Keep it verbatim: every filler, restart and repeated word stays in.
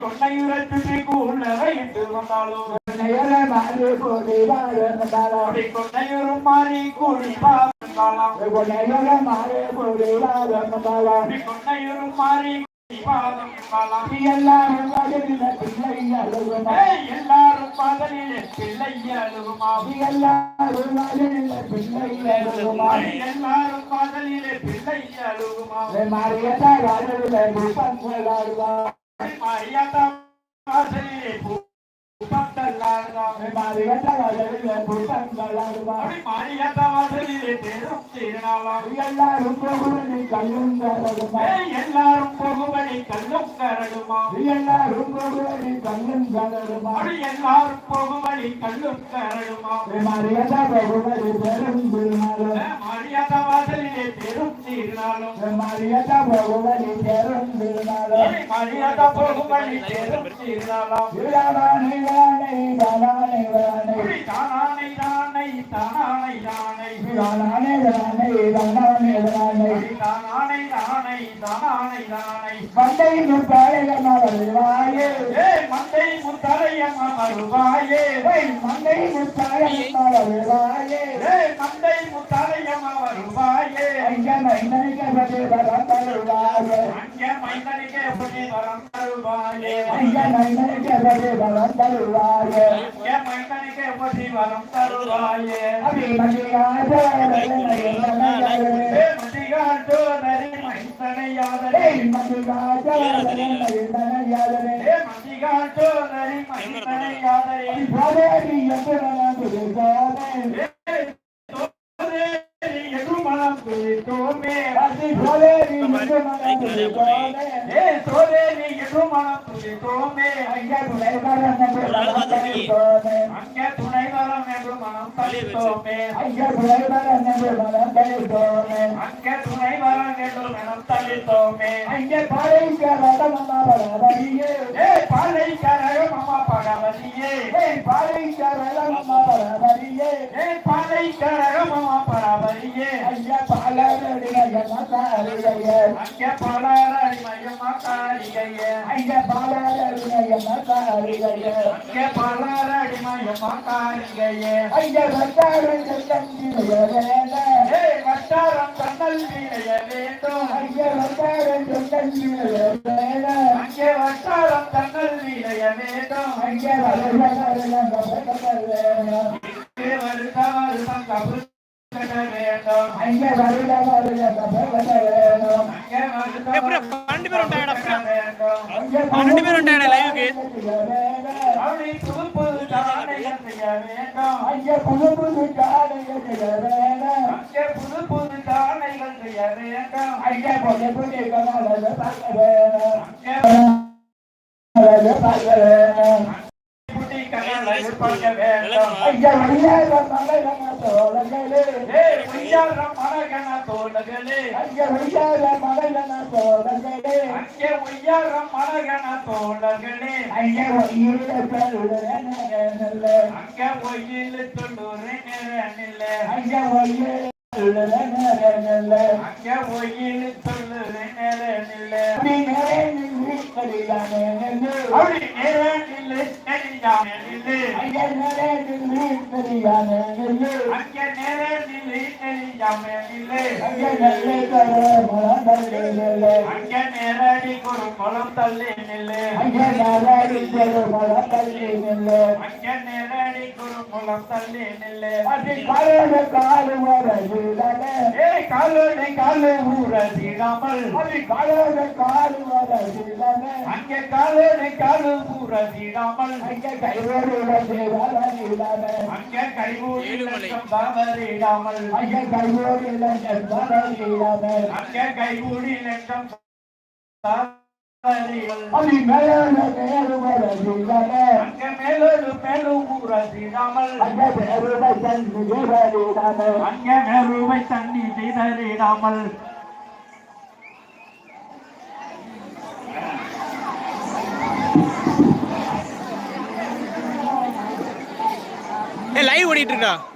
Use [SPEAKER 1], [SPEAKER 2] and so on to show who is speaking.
[SPEAKER 1] கொன்னையுரத்துக்கு கூழவையிட்டு வந்தாலும் கொன்னையுறும் மாறி கூடி பாவந்தாலாம் கொன்னையுறும் மாறி எல்லாரும் பிள்ளை அழுகுமா எல்லாரும் பகலில் பிள்ளை அழுகுமா எல்லாரும் பிள்ளை அழுகுமா எல்லாரும் பகலில் பிள்ளை அழுகுமா மாறியதா மாறியதா எல்லாரும் போகுவனை கல்லும் கரடுமா எல்லாரும் போகுவனை கல்லும் கரடுமா எல்லாரும் போகுவனை கல்லும் கரடுமா எல்லாரும் போகுவனை கல்லும் கரடுமா மாறியதா போகுவனை பெரும் திருநாளும் மாறியதா வாசலிலே பெரும் திருநாளும் மாறியதா போகுவனை பெரும் திருநாளும் மாறியதா போகுவனை பெரும் திருநாளும் தானானை தானானை தானானை தானானை தானானை தானானை தானானை தானானை தானானை தானானை தானானை தானானை தானானை மந்தை முத்தாரையம்மா வருவாயே மந்தை முத்தாரையம்மா வருவாயே மந்தை முத்தாரையம்மா வருவாயே மந்தை முத்தாரையம்மா வருவாயே அங்க மைந்தனிக்கு எப்படி வரம் தருவாயே அங்க மைந்தனிக்கு எப்படி வரம் தருவாயே அங்க மைந்தனிக்கு எப்படி வரம் தருவாயே அங்க மைந்தனிக்கு எப்படி வரம் தருவாயே அபி மதியாதே மதியாதோ நரி மைந்தனையாதே மதியாதோ நரி மைந்தனையாதே மதியாதோ நரி மைந்தனையாதே பாதேரி எதுமனம் துதிதோமே எதுமனம் துதிதோமே அதி பாதேரி எதுமனம் துதிதோமே ஏ சோதேரி எதுமனம் துதிதோமே அங்க துணைவரம் என்று மனம் தளித்தோமே அங்க துணைவரம் என்று மனம் தளித்தோமே அங்க துணைவரம் என்று மனம் தளித்தோமே அங்க துணைவரம் என்று மனம் தளித்தோமே அங்க பாலைக்கரக மமா பரவதியே ஏ பாலைக்கரக மமா பரவதியே ஏ பாலைக்கரக மமா பரவதியே ஏ பாலைக்கரக மமா பரவதியே அங்க பாலரடி மயமா காரிகையே அங்க பாலரடி மயமா காரிகையே அங்க பாலரடி மயமா காரிகையே அங்க பாலரடி மயமா காரிகையே அங்க வட்டாரம் கண்ணல் வேண்ட ஏ வட்டாரம் கண்ணல் வீணைய வேண்டும் அங்க வட்டாரம் கண்ணல் வீணைய வேண்ட அங்க வட்டாரம் கண்ணல் வீணைய வேண்டும் அங்க வருடம் வேணும் வருட வருடம் கபு வேண்டும் அங்க வருட வருடம் வேணும் அங்க வருட பன்னெண்டு பேர் ఉంటాయడా பன்னெண்டு பேர் ఉంటాయడా లైవ్ కి அப்படி புது புது காணைகள் செய்ய வேண்டும் அங்க புது புது காணைகள் செய்ய வேண்டும் அங்க புது புது காணைகள் செய்ய வேண்டும் அங்க புது புது காணைகள் பார்க்க வேணும் அங்க பார்க்க வேணும் புடி காணைகள் பார்க்க வேண்டும் அங்க வழியாக மலையன தோளங்களே ஏ வழியாக மலையன தோளங்களே அங்க வழியாக மலையன தோளங்களே அங்க வழியாக மலையன தோளங்களே அங்க ஒயில தொழுறே நேரல்ல அங்க ஒயில தொழுறே நேரல்ல அங்க ஒயில தொழுறே நேரல்ல அங்க ஒயில தொழுறே நேரல்ல அப்படி நேரல்ல கலியானே நெல்லு அப்படி நேரல்ல கலியானே நெல்லு அங்க நேரல்ல கலியானே நெல்லு அங்க நேரல்ல கலியானே நெல்லு அங்க நல்லே கர மலம் தள்ளி நெல்லு அங்க நேரடி குரு மலம் தள்ளி நெல்லு அங்க நேரடி குரு மலம் தள்ளி நெல்லு அங்க நேரடி குரு மலம் தள்ளி நெல்லு அடி காலோட காலு வரதிடலே ஏ காலோட காலு ஊரதிடாமல் அடி காலோட காலு வரதிடலே அங்க காலோட காலு ஊரதிடாமல் அங்க கைவோடு வரதிடாமே அங்க கைவோடு லட்சம் தவறிடாமல் அங்க கைவோடு லட்சம் தவறிடாமே அங்க கைவோடு லட்சம் அடி மேலோடு மேலு வரதிடாமே அங்க மேலோடு மேலு ஊரதிடாமல் அங்க மேலுவை தண்ணி செய்தறிடாமே அங்க மேலுவை தண்ணி செய்தறிடாமல்
[SPEAKER 2] லைவ் ஓடிட்டு இருக்கா?